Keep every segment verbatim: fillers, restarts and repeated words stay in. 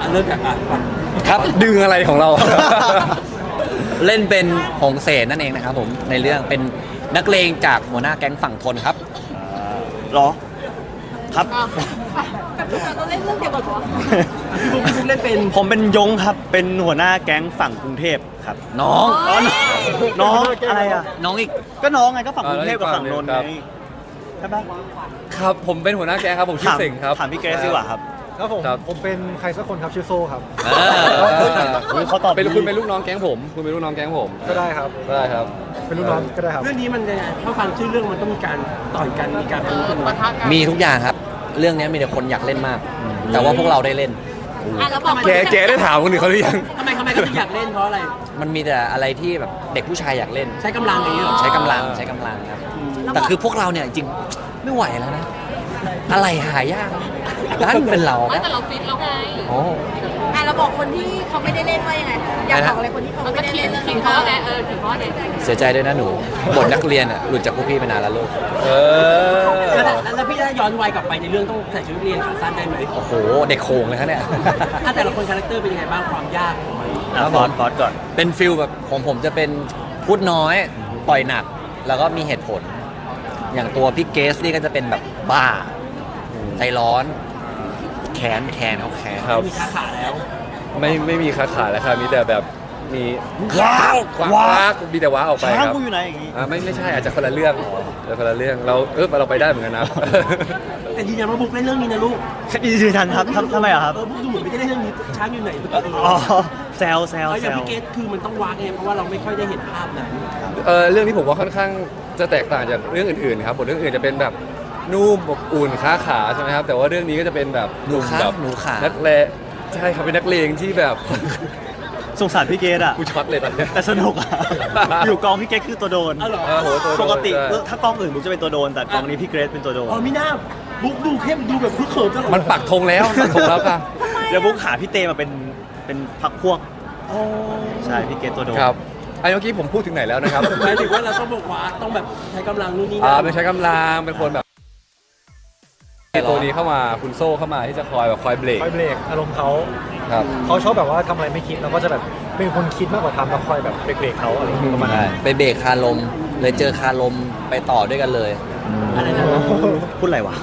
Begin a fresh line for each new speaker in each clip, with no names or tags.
เริ่มจากอ่ะ
ครับดึงอะไรของเรา เล่นเป็นหงเสนนั่นเองนะครับผมในเรื่องเป็นนักเลงจากหัวหน้าแก๊งฝั่งทนครับ
หรอครับ
กับพี่เราเล่นเรื่องเดียวกันเหรอ
พี่บุ๊กพี่บุ๊กเล่นเป็น
ผมเป็นยงครับเป็นหัวหน้าแก๊งฝั่งกรุงเทพครับ
น้อง
อ๋อน้องอะไรอ่ะ
น้องอีก
ก็น้องไงก็ฝั่งกรุงเทพกับฝั่งนนท์
ครั
ไง
บ
ใช่ปะ
ครับผมเป็นหัวหน้าแก๊งครับผมชื่อ
ถาม
เสิงครับ
ถามพี่เกรซดีกว่าครับ
ครับผม
ครับ
ผมเป็นใครสักคนครับชื่อโซครับ
เอ
เอ
อ
อ
เขาตอบ
เป็น
ดี
คุณเป็นลูกน้องแก๊งผม คุณเป็นลูกน้องแก๊งผม
ก็ได้ครับ
ได้ครับ
เป็นลูกน้องก็ได้ครับ
เรื่องนี้มันยังไงถ้าฟังชื่อเรื่องมันต้องมีการต่อยกันมีการเป็นกัน
ปะทะกัน
มีทุกอย่างครับ เรื่องนี้มีแต่คนอยากเล่นมาก แต่ว่าพวกเราได้เล่น
อ่ะแล้วบอก
แกแกได้ถามคนอื่นเขาหรือยัง
ทำไมทำไมเขาถึงอยากเล่นเพราะอะไร
มันมีแต่อะไรที่แบบเด็กผู้ชายอยากเล่น
ใช้กำลังอย่างนี้เหรอ
ใช้กำลังใช้กำลังครับแต่คือพวกเราเนี่ยจริงๆไม่ไหวแล้วนะ อะไรหายากด้านเป็นเรา
ไม่แต่เราฟิตแล้วไง
โอ้
อ่ะเราบอกคนที่เขาไม่ได้เล่นว่ายังไงอยากบอกอะไรคนที่เขาไม่ได้เล่นเรื่องนี้เขาไงเออถึงเขาไง
เสียใจด้วยนะหนูบทนักเรียนอ่ะหลุดจากพวกพี่ไปนานแล้วลูก
เออ
แล้วแล้วพี่ได้ย้อนวัยกลับไปในเรื่องต้องใส่ชุดนักเรียนขาสั้นได้ไหม
โอ้โหเด็กโขงเลยครับเนี่ย
ถ้าแต่ละคนคาแรคเตอร์เป็นยังไงบ้างความยากของมัน
อ่ะฟอสฟอสก่อน
เป็นฟิลแบบของผมจะเป็นพูดน้อยปล่อยหนัก แล้วก็มีเหตุผล อย่างตัวพี่เกสนี่ก็จะเป็นแบบบ้าใจร้อน แขนแขนเขาแขน
ครับ
มีขาขาแล้ว
ไม่ไม่มีขาขาแล้วครับมีแต่แบบมี
ว้าว
คว้า
ว้าว
ว้ามีแต่ว้าออกไป
ช้าง
ครับ
กูอยู่ไหนอย่างงี้
อ่าไม่ไม่ใช่อาจจะคนละเรื่องแต่คนละเรื่องเราเออเราไปได้เหมือนกันนะ
แต่ยืนยันว่าบุ๊กเล่นเรื่องนี้นะลูก
ยืนยันครับทำทำไมอ่ะครับ
เออบุ๊กดูเหมือนไม่ได้เล่นเรื่องนี้ช้างอยู่ไหน
อ๋อแซวแซว
เอาอ
แซ
ย่าง
ว
พี่เกตคือมันต้องวางเองเพราะว่าเราไม่ค่อยได้เห็นภาพนั้น
เออเรื่องนี้ผมว่าค่อนข้างจะแตกต่างจากเรื่องอื่นๆครับบทเรื่องอื่นจะเป็นแบบนุ่มอบอุ่นค้าขาใช่ไหมครับแต่ว่าเรื่องนี้ก็จะเป็นแบบ
หนูขา
แบบ
หนูขา
นักเลงใช่ครับเป็นนักเลงที่แบบ
สงสารพี่เกดอ่ะ
กูช็อตเลยตอนเนี้ย
แต่สนุกอ่ะ อยู่กองพี่เกดคือตัวโดน
อ้าวเหรอ
เออโหตัวโดน
ปกติ
ใช่
ถ้ากองอื่นบุ๊กจะเป็นตัวโดน แต่กองนี้พี่เกรซเป็นตัวโดน
อ๋อมิน่าบุ๊กดูเข้มดูแบบคึกเขิมตลอด
มันปักธงแล้วปักธงแล้วค่ะ
เดี๋ยวบุ๊กหาพี่เตมาเป็นเป็นพักพวก
โอ้
ใช่พี่เกดตัวโดน
ครับไอ้เมื่อกี้ผมพูดถึงไหนแล้วนะครับ
หมายถึงว่าเราต้องบอกว่าต้องแบบใช้กำลังนู่นนี่
อ่า
นั่น
เป็นใช้กำลังเป็นคนแบบตัวนี้เข้ามาคุณโซ่เข้ามาที่จะคอยแบบคอยเบรก
คอยเบรกอารมณ์เขา
ครับ
เขาชอบแบบว่าทำอะไรไม่คิดเราก็จะแบบเป็นคนคิดมากกว่าทำแล้วคอยแบบเบรกๆเขาอะไรอย่างเงี้ยประมาณนั้น
ไปเบรกคาลม เลยเจอคาลมไปต่อด้วยกันเลย
อะไรนะ
พูดอะไรวะ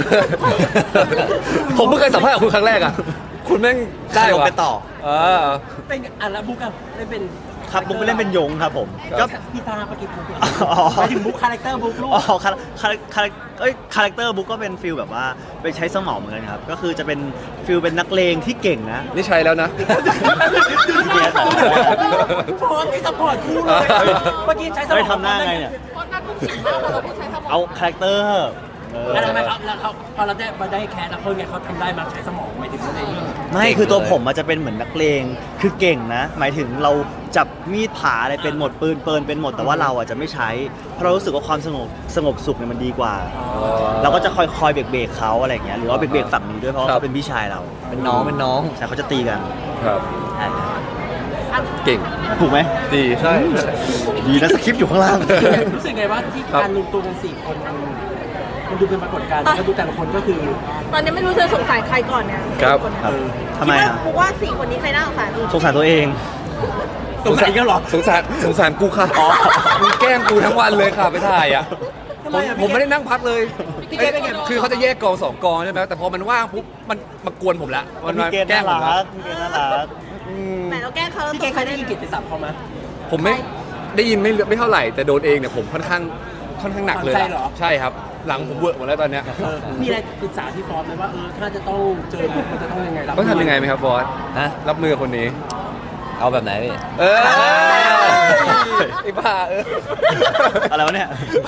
ผมเพิ่งเคยสัมภาษณ์กับคุณครั้งแรกอ่ะ คุณแม่งได้
คาลม
วะ
ไปต่อ
เออ
เป็นอ่ะแล้วบุ๊กอะได้เป็น
ครับบุ๊กไปเล่นเป็นยงครับผม
ครั
ก็
บ
พี่ตาปกิจบุ๊ก
อ๋อ
หมายถึงบุ๊กคาแรคเตอร์บุ๊กลูก
อ๋อคาคาคาเอ้ยคาแรคเตอร์บุ๊กก็เป็นฟิลแบบว่าไปใช้สมองเหมือนกันครับ ก็คือจะเป็นฟิลเป็นนักเลงที่เก่งนะ
นี่ใช้แล้วนะ
พี่เกรซอะ
โอ้ยไม่สปอร์ตคู่เลยเมื่อกี้ใช้สมอง
ไม่ทำหน้าไงเนี่ย
เพราะนั่นทุกสิ่งมากเราต้องใช้สมอง
เอาคาแรคเตอร์เออ
แล้วทำไมเขาแล้วเขาพอเราได้มาได้แคสแล้วเขาไงเขาทำได้มาใช้สมองหมายถึงว่าในเรื่อง
ไม่คือตัวผมมันจะเป็นเหมือนนักเลงคือเก่งนะ หมายถึงเราจับมีดผาอะไรเป็นหมดปืนเปินเป็นหมดแต่ว่าเราอ่ะจะไม่ใช้เพราะเรารู้สึกว่าความสงบสงบสุขเนี่ยมันดีกว่า เราก็จะคอยคอยเบรกเบรกเขาอะไรอย่างเงี้ยหรือว่าเบรกเบรกฝั่งนี้ด้วยเพราะว่า
ครับ
เขาเป็นพี่ชายเรา
เป็นน้องเป็นน้อง
ใช่เขาจะตีกัน
ครับ เก่ง
ถูกไหม
ดีใช่
ดีนะสคริปต์อยู่ข้างล่าง
รู้สึกไงว่าที่
ครับ
การรวมตัวกันสี่คนมันมันดูเป็นปรากฏการณ์แล้วดูแต่ละคนก็คือ
ตอนนี้ไม่รู้จะสงสัยใครก่อนเนี่ย
ครับ
ครับทำไมอ่ะ
คิดว่าว่าสี่คนนี้ใครน่าสงสัย
สงสารตัวเอง
สงสัยก็หรอ
สงสารสงสารกูค่ะมึงแกล้งกูทั้งวันเลยค่ะไปถ่ายอ่ะ
ทำ
ผ
ไม
ม
อะ
ผมไม่ได้นั่งพักเลย
พี่เกดเป็นไง
คือเขาจะแยกกองสองกองใช่ไหมแต่พอมันว่างปุ๊บมันมากวนผมละมัน
พี่
มา
เกณฑ์
แกล้
น่าง
ผม
รั
ละ
กพี่เกณฑ์น่ารัก
อืม
ไหนเราแกล้งเขา
พี่เกดเคยได้ยินกิตติศัพท์เขาไหม
ผมไม่ได้ยินไม่ไม่เท่าไหร่ แต่โดนเองเนี่ยผมค่อนข้างค่อนข้างหนักเลย
ฝังใจเหรอ
ใช่ครับ หลังผมเวอร์หมดแล้วตอนเนี้ย
เออมีอะไรปรึกษาพี่ฟอสไหมว่าเออถ้าจะต้องเจอบุ๊กมันจะต้องยังไงรับ
ต้องทำยังไงไหมครับบอส
ฮะ
รับมือกับคนนี้
เอาแบบไหนพี่
เออไอ้บ้าเออ
อะไรวะเนี่ย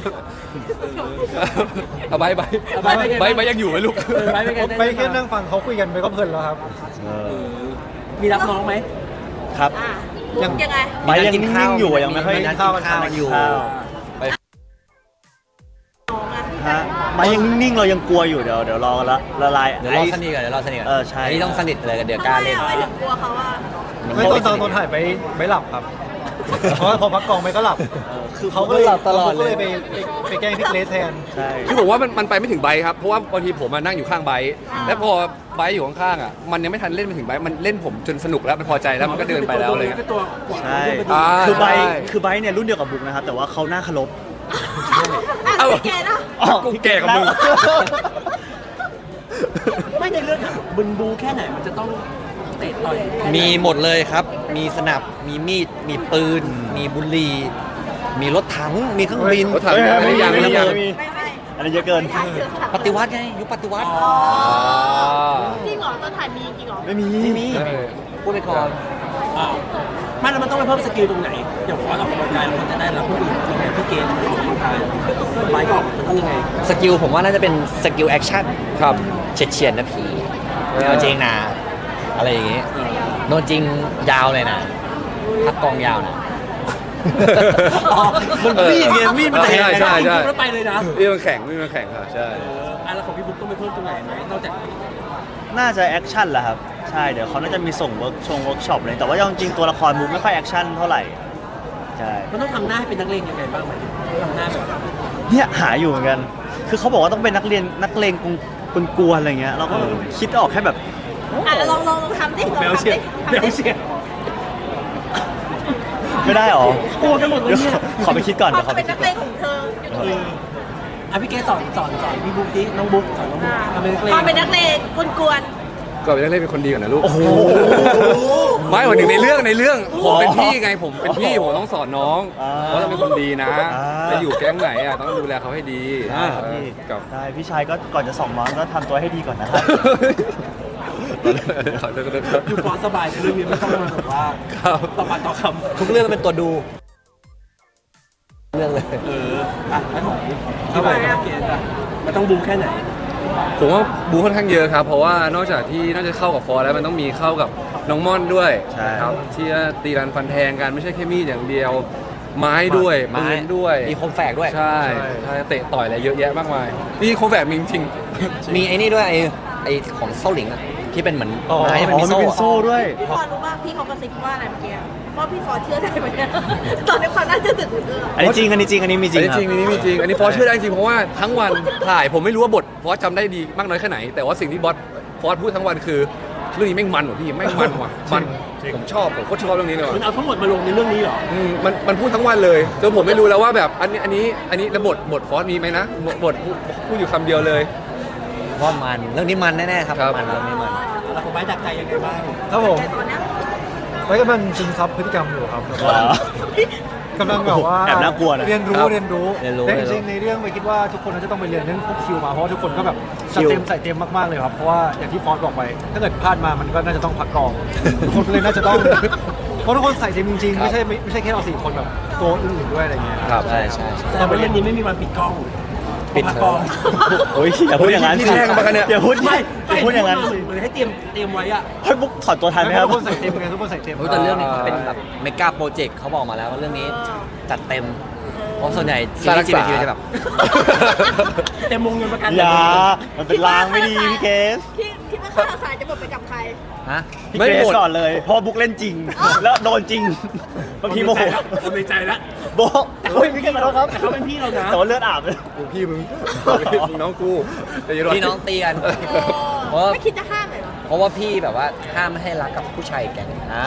เอาใบใบใบใบยังอยู่ไหมลูก
เออไปเป็นไง
ไปแค่นั่งฟังเขาคุยกันไปก็เพลินแล้วครับ
มีรับน้องไหม
ครับ
อ่ะบุ๊กยังไง
ไปยังนิ่งๆอยู่อะยังไม่ค่อย
มีนัดกินข้าวกันอยู่
ข้าว
น้องอ่ะ
ฮะไปยังนิ่งๆเรายังกลัวอยู่เดี๋ยวเดี๋ยวรอละละลาย
เดี๋ยวเราสนิทกันเดี๋ยวเราสนิทกัน
เออใช่
นนี้ต้องสนิทเลยกันเดี๋ยวก
ทำ
ล้า
ไม
เล่น
อ่ะทำไมถึงกลัวเขาอ่ะ
ไม่ตอนตอนตอนถ่ายไปไม่หลับครับเพราะว่าพอพักกองไปก็หลับ
คือเขา
เขา
ก็
ก็
เล
เลย ย
หลับตลอด
เขา
เล
ก็เลย ยไปไปไปแกล้งพี่เกรซแทน
ใช่
คือผมว่ามันมันไปไม่ถึงไบค์ครับ เพราะว่าบางทีผมมานั่งอยู่ข้างไบค์แล้วพอไบค์อยู่ข้างๆอ่ะมันยังไม่ทันเล่นไปถึงไบค์มันเล่นผมจนสนุกแล้วมันพอใจแล้วมันก็เดินไปแล้วอะไร
เลย
เงี้ย
ก็ตัวกว่า
ใช่
อ่า
คือไบร์ท
ใช่
คือไบร์ทเนี่ยรุ่นเดียวกับบุ๊กนะครับ แต่ว่าเขาหน้าเคารพ
อ่ะพี่แกนะ
อ๋อ
กูแก่กว่ามึง
ไม่ในเรื่องอะบึนบูแค่ไหนมันจะต้องเตะต่อยแค่ไหน
มีหมดเลยครับ มีสนับ มีมีด มีปืน มีบุหรี่มีรถถัง มีเครื่องบิน
รถถัง
เฮ้ย
ไม่ยัง
ไม่
ไม่
มี
ยัง
ไม่มี
ไม่ไม่
อันนี้เยอะเกิน
ไม่ใช่เถอะค่ะ
ปฏิวัติไง ยุคปฏิวัติ
อ่า
จริงเหรอต้นถ่ายมีจริงเหรอ
ไม่มี
ไม่มี
ใช่
พูดไปก่อน
อ้าวไม่แล้วมันต้องไปเพิ่มสกิลตรงไหนอย่างฟอสออกกำลังกายเราจะได้รับคนอื่นยังไงพี่เกณฑ์ออกกำลังกายไบค์ก็ออกมันต้องยังไง
สกิลผมว่าน่าจะเป็นสกิลแอคชั่น
ครับ
เฉียดเฉียดๆนะพี่ไม่เอาจริงนะ อะไรอย่างงี้โดนจริงยาวเลยนะพักกองยาวนะ
อ๋อมันมีดไงมีดมันแทง
ใช่ใช่ใช่
แล้วไปเลยนะ
นี่มันแข่งนี่มันแข่งค่ะใช่
เอออ่ะแล้วของพี่บุ๊กต้องไปเพิ่มตรงไหนไหมนอกจาก
น่าจะแอคชั่นแหละครับ ใช่ เดี๋ยวเขาน่าจะมีส่งเวิร์กชงเวิร์กช็อปเลย แต่ว่าจริงๆตัวละครบุ๊กไม่ค่อยแอคชั่นเท่าไหร่ ใช่
มันต้องทำหน้าให้เป็นนักเลงยังไงบ้างไหมทำหน้าแบบ
เนี่ยหาอยู่เหมือนกัน คือเขาบอกว่าต้องเป็นนักเรียนนักเลงกุนกวนๆอะไรเงี้ย เราก็คิดออกแค่แบบ
อ่ะลองลองลองทำดิลอง
แมว
ทำ
เชีย
ดิ
ร์
ทำ
แมว
ดิ
เชียร์
ไม่ได้หรอ
กลัวกันหมดเลย
เดี๋ยว
เนี่ย
ขอไปคิดก่อน
ควา
เดี๋ยวขอไป
มเป็น
คิ
นั
ด
ก
ก่
เล
อน
งของเธออยู่ตรง
เอ
ไหน
ออ่ะพี่เกสอนสอนสอนพี่บุ๊กดิน้องบุ๊กสอนน้องบุ๊กทำเป็นนักเลง
ความเป็นนักเลงกวน
ก่อนเป็นนักเล่นเป็นคนดีก่อนนะลูก
โอ้โห
ไม่วันหนึ่งในเรื่องในเรื่องผมเป็นพี่ไงผมเป็นพี่
อ๋อ
ผมต้องสอนน้อง
อ่า
ว่าเราเป็นคนดีนะ
อ่า
แล้วอยู่แก๊งไหนอ่ะต้องดูแลเขาให้ดี
ได้ครับพี่
กับ
ได้พี่ชายก็ก่อนจะส่องน้องก็ทำตัวให้ดีก่อนนะครับ
อยู่ฟอสสบายในเรื่องนี้ไม่ต้องมาแบบว่า
ครับ
ต่อปากต่อค
ทุกเรื่องเป็นตัวดู เรื่องเลย
ำเอออ่ะแล้วของที่ไปกับพี่เกสอ่ะมันต้องบูแค่ไหน
ผมว่าบูค่อนข้างเยอะครับ เพราะว่านอกจากที่นอกจากเข้ากับฟอร์แล้วมันต้องมีเข้ากับน้องม่อนด้วย
ใช่
ครับที่จะตีรันฟันแทงกันไม่ใช่แค่มีดอย่างเดียว ไม้ด้วย
ไม้
ปืนด้วย
มีคมแฝกด้วย
ใช่ใช่เตะต่อยอะไรเยอะแยะมากมายนี่โคมแบบมีจริง
มีไอ้นี่ด้วยไอ้ไอ้ของเซาหลิงอะที่เป็นเหมือน
อ๋อ
ไม้มัน
อ๋อ
มี
มัน
โซ่
เป็นโซ่ด้วย
ๆพี่ฟอรู้ป่ะพี่เขากระซิบว่าอะไรเมื่อกี้ว่าพี่ฟอเชื่อได้ไหมเนี่ยตอนนี้ความน่าเชื่อถือของเธอ
อันนี้จริง อันนี้จริง อันนี้มีจ
อั
ริ
น
ง
นี้
ค
จ
รั
ริ
บ
งอันนี้มีจริง อันนี้ฟอสเชื่อได้จริงเพราะว่าทั้งวันถ่ายผมไม่รู้ว่าบทฟอสจำได้ดีมากน้อยแค่ไหน แต่ว่าสิ่งที่บอสฟอสพูดทั้งวันคือเรื่องนี้แม่งมันว่ะพี่แม่งมันว่ะมันผมชอบผมโคตรชอบเรื่องนี้เลยว่ะ
มันเอาทั้งหมดมาลงในเรื่องนี้เหรอ
อืมมันมันพูดทั้งวันเลยจนผมไม่รู้แล้วว่าแบบอันนี้อันนี้อันนี้แล้วบทบทฟอสมีไหมนะบทบทพูดพูดอยู่คำเดียวเลย
ว่ามัน เรื่องนี้มันแน่ๆครับ
ครับ
มันเรื่องนี้มัน
แล้วของไบร์ทดักใจยังไงบ้าง
ครับผม
แต่ตอนเนี้ย
ไว้กำลังซึมซับพฤติกรรมอยู่ครับ
เหรอ
กำลังแบบว่า
แอบน่ากลัวนะ
เรียนรู้
ครับ
เรียนรู้
เรียนรู้
แต่จ
เรียนรู้
ริงๆในเรื่องไปคิดว่าทุกคนน่าจะต้องไปเรียนเรื่องพวกคิวมาเพราะว่าทุกคนก็แบบ
คิ
จัด
ว
เต็มใส่เต็มมากๆเลยครับเพราะว่าอย่างที่ฟอสบอกไป ถ้าเกิดพลาดมามันก็น่าจะต้องพักกอง ทุกคนเลยน่าจะต้องเพราะทุกคนใส่เต็มจริงๆ
ครับ
ไม่ใช่ไม่ไม่ใช่แค่เราสี่คนแบบตัวอื่นๆด้วยอะไรเงี้ย
ครับ
ใช่ใช่ใช่
แต่ว่าเรื่องนี้ไม่มีวันปิดกล้อง
ปิด
พักกล้อง
โอ้ยอย่าพูดอย่างนั้น
พี่
สิ
แช่งมากันเนี่ย
อย่าพูด
ไม่
อย่าพูดอย่างนั้น
เห
สิ
มือนให้เตรียมเตรียมไว้อะ
เฮ้ยบุ๊กถอดตัวทันไหมครับ
ทุกคนใส่เต็มไงทุกคนใส่เต็ม
โอ้ยแต่เรื่องนี้เขาเป็นแบบเมกาโปรเจกต์เขาบอกมาแล้วว่าเรื่องนี้จัดเต็ม เพราะส่วนใหญ่ซีรีส์จีนทีจะแบบ
เต็มวงเงินประกัน
อย่า มันเป็นลางไม่ดีพี่เกส
คิดคิดว่าข้าวสารจะหมดไปกับใคร
ฮะ
พี่
ไม่
เกส
หมด
ก่อนเลยเพราะบุ๊กเล่นจริง แล้วโดนจริงบางทีโมโห
ผมในใจแล้ว
โบะโอ้ยพี่เกสขอโทษครับ
แต่เขาเป็นพี่เรานะ
แต่ว่าเลือดอาบเลย
กูพี่มึงมึงน้องกูแต่อย่า
พี่น้องตีกัน
เออไม่คิดจะห้ามเลยเหรอ
เพราะว่าพี่แบบว่าห้ามไม่ให้รักกับผู้ชายแก๊งอ่า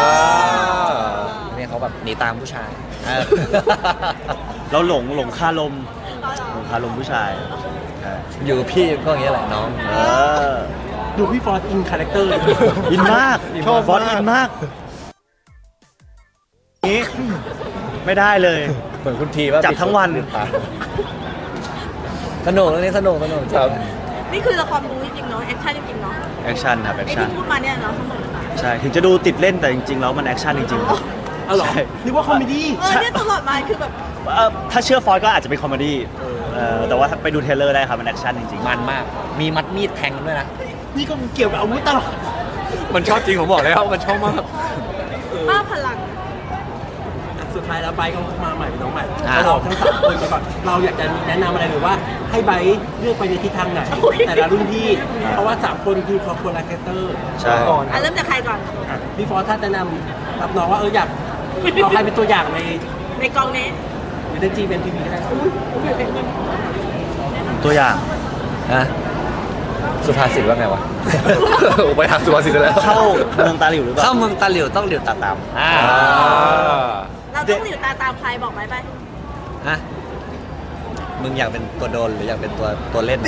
เนี่ยเขาแบบหนีตามผู้ชายเออ
เราหลงหลงคาลมหลงคาลมผู้ชายใช่
อยู่กับพี่ก็อย่างเงี้ยแหละน้อง
เออ
ดูพี่ฟอร์ดอินคาแรคเตอร์
อินมากชอบฟอนต์อินมากนี้ไม่ได้เลย
เหมือนคุณทีว่า
จับทั้งวัน
สนุกเรื่องนี้สนุกสนุกจริง
ครับ
นี่คือละครบูจริงๆเนาะแอคชั่นจริงๆเนาะ
แอคชั่นครับแอค
ไอ้
ชั่น
ที่พูดมาเนี่ยเนาะทั้งหมดเลย
ใช่ ถึงจะดูติดเล่นแต่จริงๆแล้วมันแอคชั่นจริงๆครับ
อ๋อเหรอ
ใช่
นึกว่าคอมเมดี้
เออเนี่ยตลอดมาคือแบบ
เอ่อถ้าเชื่อฟอยก็อาจจะเป็นคอมเมดี้เออแต่ว่าไปดูเทรลเลอร์ได้ครับ มันแอคชั่นจริงๆ
มันมาก มีมัดมีดแทงด้วยนะ
นี่ก็เกี่ยวกับอาวุธตลอด
มันชอบจริงผมบอกแล้วมันชอบมาก
บ้าพลัง
สุดท้ายแล้วไบร์ทก็มาใหม่เป็นน้องใหม่
อ่า
เราทั้งสามคนไปก่อนเราอยากจะแนะนำอะไรหรือว่าให้ไบร์ทเลือกไปในทิศทางไหน แต่ละรุ่นพี่ เพราะว่าสามคนคือคนละคาแรคเตอร์
ใช่
ก่อน
อ่ะเริ่มจากใครก่อน
พี่ฟอร์ดถ้าแนะนำรับน้องว่าเอออยากเอาใครเป็นตัวอย่างใน
ในกองนี้
ในจีเป็นทีวีก็ได้
ตัวอย่าง
ฮะสุภาษิตว่าไงวะ
ไปหาสุภาษิตแล้ว
เข้าเมืองตาหลิวหรือเปล่า
เข้าเมืองตาหลิวต้องหลิวตาตามอ่า
เราต้องหลิวตาตามใครบอกไหมไป
ฮะมึงอยากเป็นตัวโดนหรืออยากเป็นตัวตัวเล่น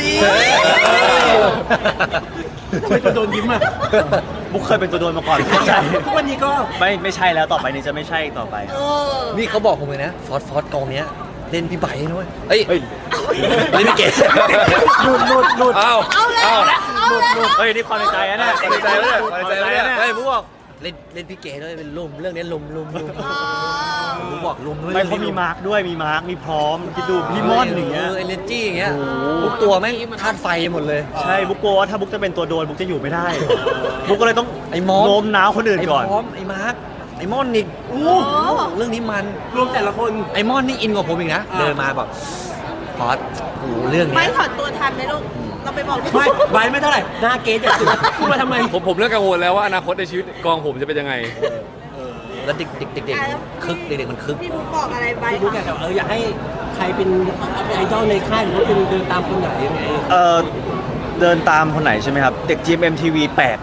ทำไมตัวโดนยิ้มอ่ะ
บุ๊กเคยเป็นตัวโดนมาก่อนไม่ใช่
ทุกวันนี้ก็
ไม่ไม่ใช่แล้วต่อไปนี้จะไม่ใช่ต่อไป
เออ
นี่เขาบอกผมเลยนะฟอสฟอสกองเนี้ยเล่นพี่ไบค์ด้วยเอ้ย
เฮ้ย
เล่นพี่เกศ
หลุดหลุดหลุด
อ้าว
เอาเลย
อ้าว
เอาเลย
เฮ้ยนี่ความในใจนะเนี่ย
ความในใจนะความในใจนะ
เฮ้ยผมบอกเล่นเล่นพี่เกศด้วยเป็นลุมเรื่องนี้ลุมลุมลุมผมบอกลุมด้วย
ไม่เขามีมาร์กด้วยมีมาร์กมีพร้อมคิดดูพี่ม่อนอย่างเงี้ย
เอเนจี้อย่างเงี้ยทุกตัวแม่งธาตุไฟหมดเลย
ใช่บุ๊กกลัวว่าถ้าบุ๊กจะเป็นตัวโดนบุ๊กจะอยู่ไม่ได้ บุ๊กก็เลยต้อง
ไอ้มอส
โน้มน้าวคนอื่น
ไอ้
ก่อน
พร้อมไอ้มาร์คไอ้ม่อนอีก
โอ้
เรื่องนี้มัน
รวมแต่ละคน
ไอ้ม่อนนี่อินกว่าผมอีกนะ
อ่า
เดินมาบอกพอดโอ้โหเรื่อง
ไม่
เนี้ย
ถอนตัวทันไหมลูก เราไปบอกลูก
ไม่ไบร์ทไม่เท่าไหร่หน้าเกสอย่าตื่นพูดมาทำไม
ผมผมเริ่มกังวลแล้วว่าอนาคตในชีวิตกองผมจะเป็นยังไง
แล้วเด็กเด็กเด็กเด็กคึกเด็กๆมันคึก
พี่บุ๊กบอกอะไรไป
พี่รู้แกแต่เอออยากให้ใครเป็นไอดอลในค่ายหรือว่าเป็นเดินตามคนไหนยังไง
เออเดินตามคนไหนใช่ไหมครับ เด็ก จี เอ็ม เอ็ม ที วี แปลก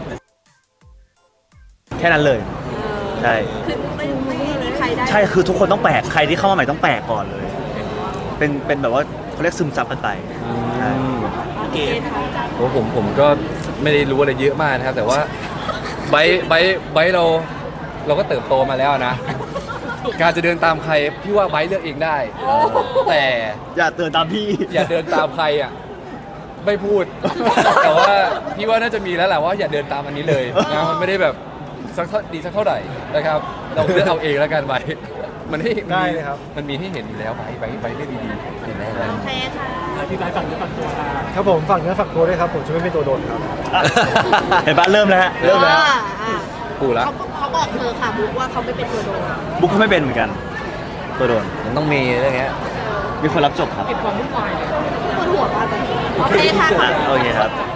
แค่นั้นเลย ใช่
คือไม่ไม่มีใครได้
ใช่คือทุกคนต้องแปลกใครที่เข้ามาใหม่ต้องแปลกก่อนเลย เป็นเป็นแบบว่าเขาเรียกซึมซับกันไปใช่
เกส
โอ้ผมผมก็ไม่ได้รู้อะไรเยอะมากนะครับ แต่ว่าไบร์ทไบร์ทไบร์ทเราเราก็เติบโตมาแล้วนะ การจะเดินตามใครพี่ว่าไบร์ทเลือกเองได้ แต่
อย่าเตือนตามพี่
อย่าเดินตามใครอ่ะไม่พูด แต่ว่าพี่ว่าน่าจะมีแล้วแหละว่าอย่าเดินตามอันนี้เลยนะมันไม่ได้แบบสักเท่าดีสักเท่าไหร่นะครับเราเลือกเอาเองแล้วกันไบร์ทมันให้มัน
ได้
มี
เลยครับ
มันมีให้เห็นอยู่แล้วไบร์ทไบร์ทไบร์ทเลือกดีๆเห็นได้แล้ว
โอเคค่ะ
พี่ไบร์ทฝั่งนี้ฝั่งตัวค่ะ
ครับผมฝากเนื้อฝากตัวด้วยครับ ผมจะไม่เป็นตัวโดนครับ
เห็นปะเริ่มแล้วฮะเริ่มแล้ว
อ่าอ่า
กูละ
เขาเขาบอกเธอค่ะบุ๊กว่าเขาไม่เป็นตัวโดน
บุ๊กก็ไม่เป็นเหมือนกัน ตัวโดน
มันต้องมีเรื่องเงี้ย
มีคนรับจบครับ
ปวดหัวมากเลยโอเคค่ะ
อ่ะโอเคครับ